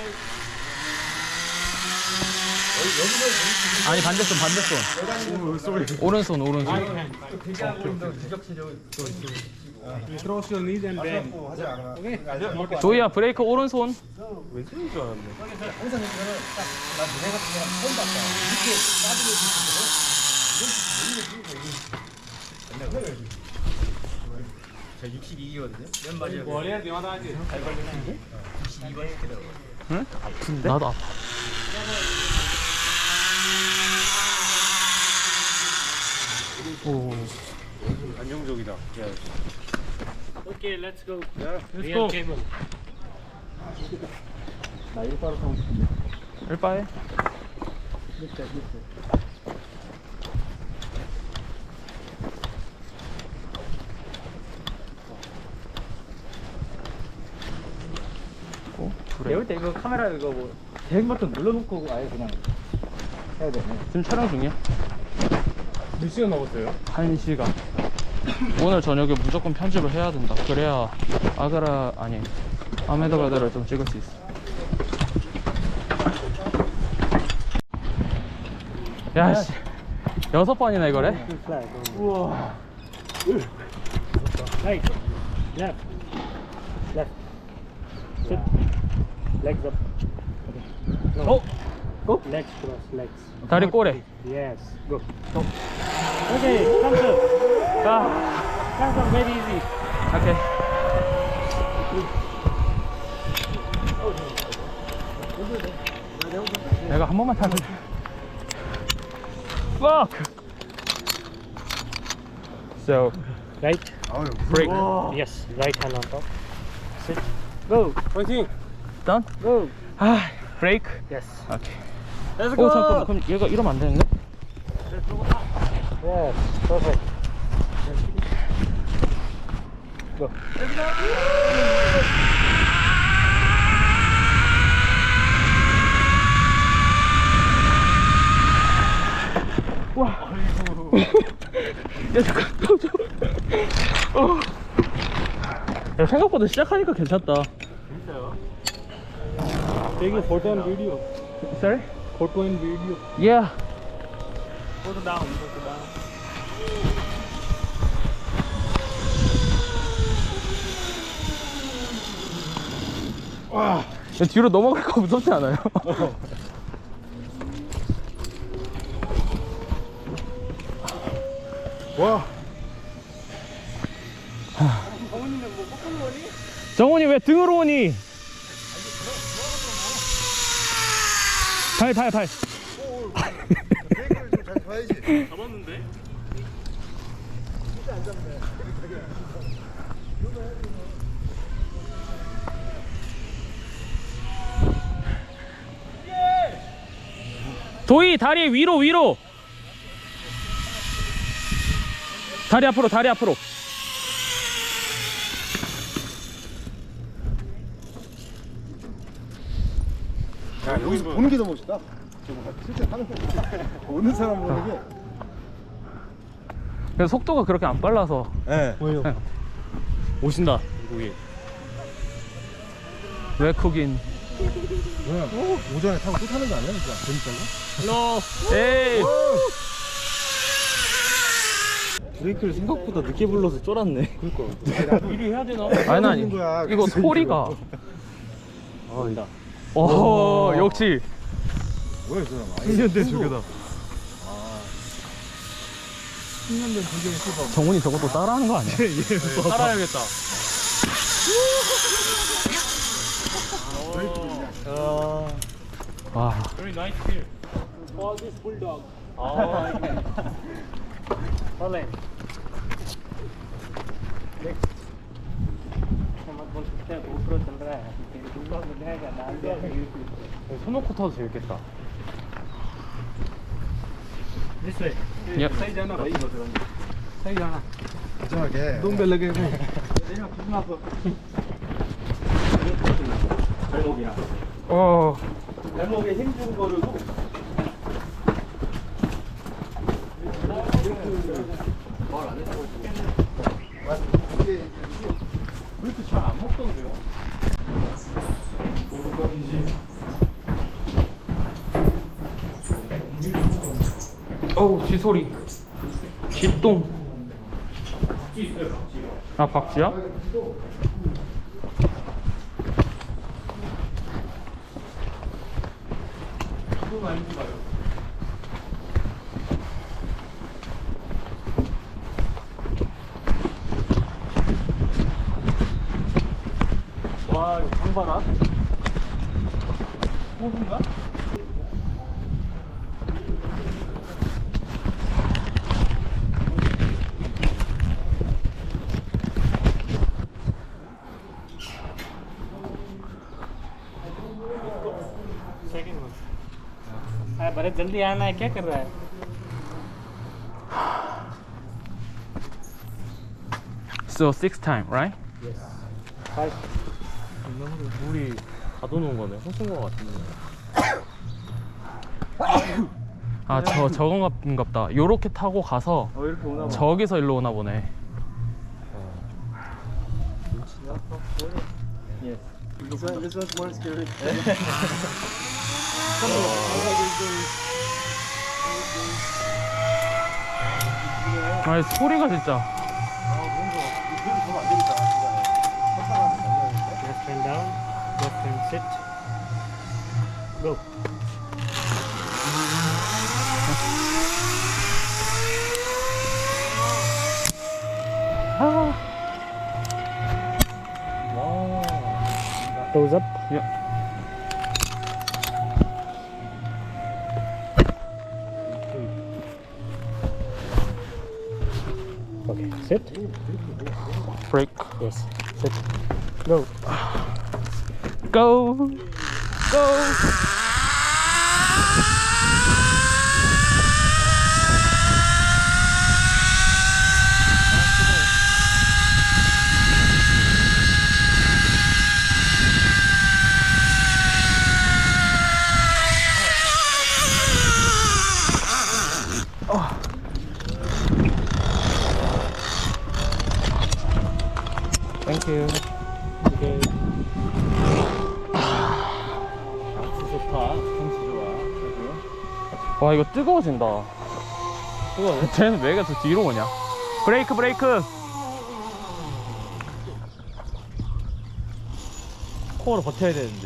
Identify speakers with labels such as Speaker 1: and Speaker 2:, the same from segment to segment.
Speaker 1: 아니 반대손 오른손
Speaker 2: Cross your knees and bend.
Speaker 1: 조이야 브레이크 오른손.
Speaker 2: 왼손인 줄 알았네.
Speaker 3: 항상 이거는 딱 난 너네 같은 사람 처음 봤다. 이렇게 빠지게 주는 저 62기거든요. 왼발이
Speaker 2: 머리에 대마다지. 잘 걸리는데?
Speaker 3: 62번 시키더라고요.
Speaker 1: 응? 아픈데? 나도 아파. 오.
Speaker 2: 안정적이다.
Speaker 4: Okay, let's go.
Speaker 2: Let's
Speaker 4: Real cable.
Speaker 3: 나 일바로 타고 싶은데.
Speaker 1: 일바에.
Speaker 3: 밑에.
Speaker 5: 배울 때 이거 카메라 이거 뭐 대행 버튼 눌러놓고 아예 그냥 해야 되네.
Speaker 1: 지금 촬영 중이야?
Speaker 2: 몇 시간 남았어요?
Speaker 1: 1시간. 오늘 저녁에 무조건 편집을 해야 된다. 그래야 아메다바다를 좀 찍을 수 있어. 야씨 6번이나 이거래?
Speaker 5: 우와.
Speaker 4: Right. Left. Left. Sit. Legs up. Okay.
Speaker 1: 어?
Speaker 4: Go. Legs cross. Legs.
Speaker 1: 다리 꼬래.
Speaker 4: Yes. Go. Go. Okay. Thumbs up. Thumbs up. Very easy.
Speaker 1: 오케이. 내가 한 번만 타면 Fuck! So,
Speaker 4: Right.
Speaker 1: break.
Speaker 4: Yes. Right hand on top. Sit. Go.
Speaker 2: 파이팅!
Speaker 1: Done?
Speaker 4: Go.
Speaker 1: 아, break.
Speaker 4: Yes.
Speaker 1: 오케이.
Speaker 4: Let's
Speaker 1: 오, 잠깐만. 그럼 얘가 이러면 안 되는데?
Speaker 4: Yes. Perfect. Go.
Speaker 1: 야, 잠깐. 야, 생각보다 시작하니까 괜찮다.
Speaker 2: Take a photo and video.
Speaker 1: Sorry?
Speaker 2: Photo and video.
Speaker 1: Yeah.
Speaker 2: Photo down. Photo down.
Speaker 1: 야, 뒤로 넘어갈까 무섭지 않아요?
Speaker 2: 와.
Speaker 1: 정훈이 왜 등으로 오니? 발.
Speaker 3: 브레이크를 좀잘 봐야지.
Speaker 2: 잡았는데?
Speaker 1: 도희 다리 위로. 다리 앞으로.
Speaker 3: 야, 여기서 보는 게 더 멋있다. 저거 실제 타는 거. 오는 사람 보는 게.
Speaker 1: 근데 속도가 그렇게 안 빨라서.
Speaker 3: 예.
Speaker 1: 오신다.
Speaker 2: 거기.
Speaker 1: 외국인.
Speaker 3: 뭐야? 오전에 타고 또 타는 거 아니야? 진짜 재밌다고?
Speaker 1: 에이.
Speaker 5: 브레이크를 생각보다 늦게 불러서 쫄았네.
Speaker 2: 미리 해야 되나?
Speaker 1: 아니.
Speaker 3: 거야.
Speaker 1: 이거
Speaker 3: 그래서
Speaker 1: 소리가.
Speaker 5: 아니다.
Speaker 1: 오, 역시.
Speaker 3: 뭐야, 이 사람?
Speaker 1: 10년된 조교다.
Speaker 3: 10년 된 조교의 수박.
Speaker 1: 정훈이 저것도 따라하는 거 아니야?
Speaker 2: 살아야겠다.
Speaker 1: 와.
Speaker 2: Very nice here.
Speaker 4: For this bulldog.
Speaker 2: 아,
Speaker 4: All in. Next. मत बोल सकते हैं GoPro चल रहा है bulldog दिखाएगा डाल दिया YouTube
Speaker 1: 손 놓고 타도 재밌겠다.
Speaker 4: this way
Speaker 1: 예.
Speaker 2: सही जाना भाई सही जाना
Speaker 3: 안전하게.
Speaker 2: तुम पे लगे हुए
Speaker 5: 발목이랑
Speaker 1: 어.
Speaker 5: 발목에 힘준 거를
Speaker 3: 브레이크 잘안 먹던데요?
Speaker 2: 모르겠는지
Speaker 1: 어우, 쥐소리. 쥐똥. 아, 박쥐야?
Speaker 2: 와, 이거 강 봐라. 호수인가?
Speaker 4: बड़े जल्दी आना है, क्या कर रहा है?
Speaker 1: So 6 time, right?
Speaker 2: 물이 가둬놓은 거네. 호수인 거 같은데.
Speaker 1: 아, 저건갑다. 요렇게 타고 가서
Speaker 2: 이렇게 오나 봐.
Speaker 1: 저기서 일로 오나 보네.
Speaker 3: This one's more scary.
Speaker 1: 아니, 소리가 진짜.
Speaker 4: Left hand down, left hand sit. Go. Toes up.
Speaker 1: 야.
Speaker 4: Okay, sit.
Speaker 1: 브레이크.
Speaker 4: Yes, sit. Go.
Speaker 1: Go. Go. Thank you.
Speaker 4: Okay.
Speaker 2: 좋다. 경치 좋아.
Speaker 1: 와, 이거 뜨거워진다.
Speaker 2: 뜨거워.
Speaker 1: 쟤는 왜 계속 뒤로 오냐? 브레이크, 브레이크.
Speaker 2: 코어로 버텨야 되는데.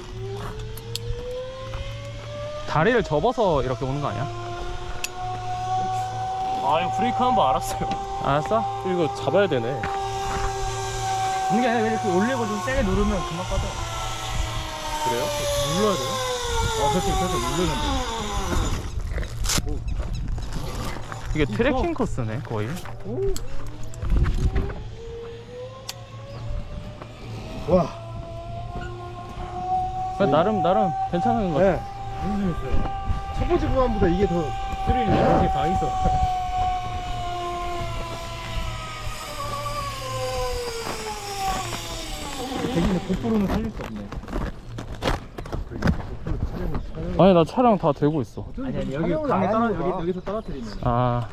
Speaker 1: 다리를 접어서 이렇게 오는 거 아니야?
Speaker 2: 아, 이거 브레이크 한 번 알았어요.
Speaker 1: 알았어?
Speaker 2: 이거 잡아야 되네.
Speaker 5: 이게 아니라 이렇게 올리고 좀 세게 누르면 금방 빠져.
Speaker 2: 그래요?
Speaker 5: 눌러야 돼요? 그렇게 누르면 돼.
Speaker 1: 이게 트레킹 코스네, 거의.
Speaker 3: 와.
Speaker 1: 나름 괜찮은 거 같아.
Speaker 3: 네. 너무 재밌어요. 첫 번째 구간보다 이게 더 스릴이 이렇게 다 있어.
Speaker 5: 대신에 고프로는 살릴 수 없네.
Speaker 1: 아니, 나 차량 다 들고 있어.
Speaker 5: 아니 여기
Speaker 3: 촬영을
Speaker 5: 강에
Speaker 3: 안
Speaker 5: 떨어
Speaker 3: 하는 거야.
Speaker 5: 여기서 떨어뜨리면.
Speaker 1: 아,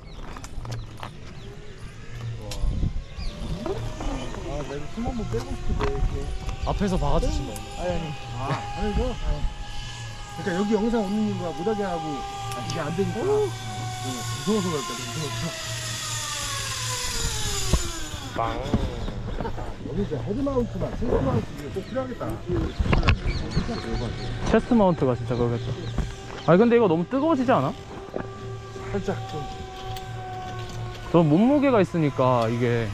Speaker 3: 내가 숨 한번 빼고 싶은데 이렇게.
Speaker 2: 앞에서 박아주시면.
Speaker 3: 아니 이거. 그러니까 여기 영상 없는 이유가 못하게 하고 이게 안 되니까. 무서워서 그럴까 무서워서. 여기 이제 헤드마운트나 체스트마운트 이게 꼭 필요하겠다.
Speaker 1: 체스트 마운트가 진짜 그러겠다. 아니, 근데 이거 너무 뜨거워지지 않아?
Speaker 3: 살짝 좀.
Speaker 1: 저 몸무게가 있으니까 이게.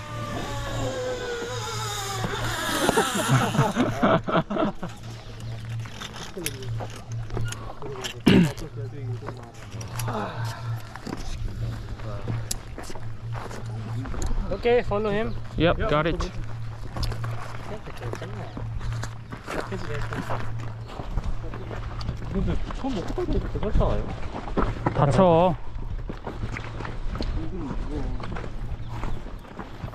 Speaker 4: Okay, follow him.
Speaker 1: Yep, got it.
Speaker 2: 근데 처음 먹고 갈 때도 괜찮잖아요.
Speaker 1: 다쳐.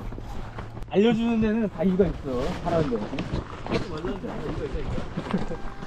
Speaker 5: 알려주는 데는 다 이유가 있어. 하라는 데.